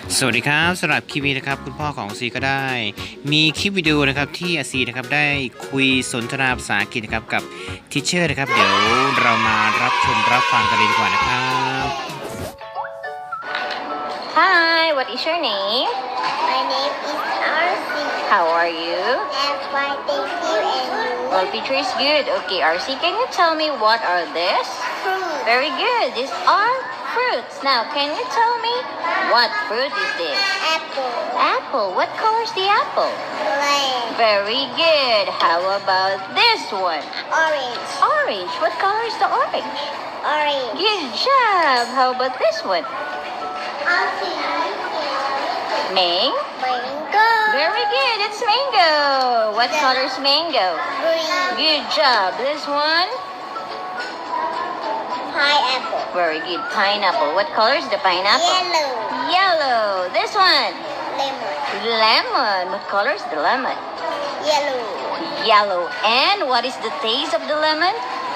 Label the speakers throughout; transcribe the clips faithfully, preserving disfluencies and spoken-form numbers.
Speaker 1: สวัสดีครับสำหรับคลิปนี้นะครับคุณพ่อของซีก็ได้มีคลิปวิดีโอนะครับที่อาซีนะครับได้คุยสนทนาภาษาอังกฤษนะครับกับทิเชอร์นะครับเดี๋ยวเรามารับชมรับฟังกันเลยดีกว่านะครับ
Speaker 2: Hi, what is your name?
Speaker 3: My name is R C.
Speaker 2: How are you?
Speaker 3: I'm fine, thank you. And you?
Speaker 2: Well, picture is good. Okay, R C, can you tell me what are this?
Speaker 3: Fruit.
Speaker 2: Very good. These are fruits. Now, can you tell me what fruit is this?
Speaker 3: Apple.
Speaker 2: Apple. What color is the apple?
Speaker 3: Lamb.
Speaker 2: Very good. How about this one?
Speaker 3: Orange.
Speaker 2: Orange. What color is the orange?
Speaker 3: Orange.
Speaker 2: Good job. How about this one?
Speaker 3: Apple.
Speaker 2: Mang?
Speaker 3: Mango.
Speaker 2: Very good. It's mango. What color is mango?
Speaker 3: Green.
Speaker 2: Good job. This one?
Speaker 3: Pineapple.
Speaker 2: Very good. Pineapple. What color is the pineapple?
Speaker 3: Yellow.
Speaker 2: Yellow. This one?
Speaker 3: Lemon.
Speaker 2: Lemon. What color is the lemon?
Speaker 3: Yellow.
Speaker 2: Yellow. And what is the taste of the lemon?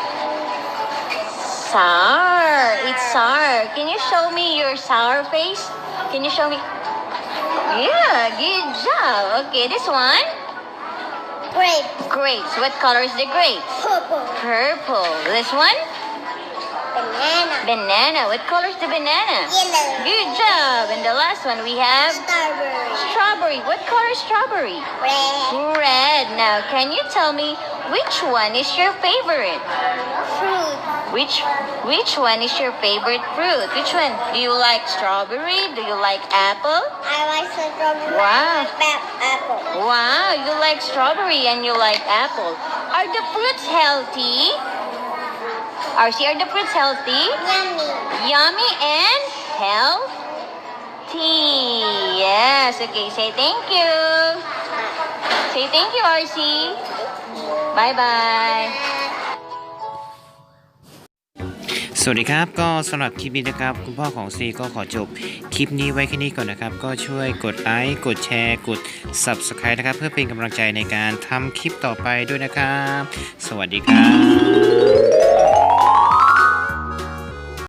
Speaker 2: Sour. It's sour. Can you show me your sour face? Can you show me? Yeah, good job. Okay, this one?
Speaker 3: Grape.
Speaker 2: Grapes. What color is the grapes?
Speaker 3: Purple.
Speaker 2: Purple. This one?
Speaker 3: Banana.
Speaker 2: Banana. What color is the banana?
Speaker 3: Yellow.
Speaker 2: Good job. And the last one we have
Speaker 3: Strawberry.
Speaker 2: strawberry. What color is strawberry?
Speaker 3: Red.
Speaker 2: Red. Now, can you tell me which one is your favorite?
Speaker 3: Fruit.
Speaker 2: Which which one is your favorite fruit? Which one? Do you like strawberry? Do you like apple?
Speaker 3: I like strawberry.
Speaker 2: Wow.
Speaker 3: and apple.
Speaker 2: Wow, you like strawberry and you like apple. Are the fruits healthy? R C, are the fruits healthy?
Speaker 3: Yummy.
Speaker 2: Yummy and healthy. Yes. Okay, say thank you. Say thank you, R C. Bye-bye.
Speaker 1: สวัสดีครับก็สำหรับคลิปนี้นะครับคุณพ่อของซีก็ขอจบคลิปนี้ไว้แค่นี้ก่อนนะครับก็ช่วยกดไลค์กดแชร์กด ซับสไครบ์ นะครับเพื่อเป็นกำลังใจในการทำคลิปต่อไปด้วยนะครับสวัสดีครับ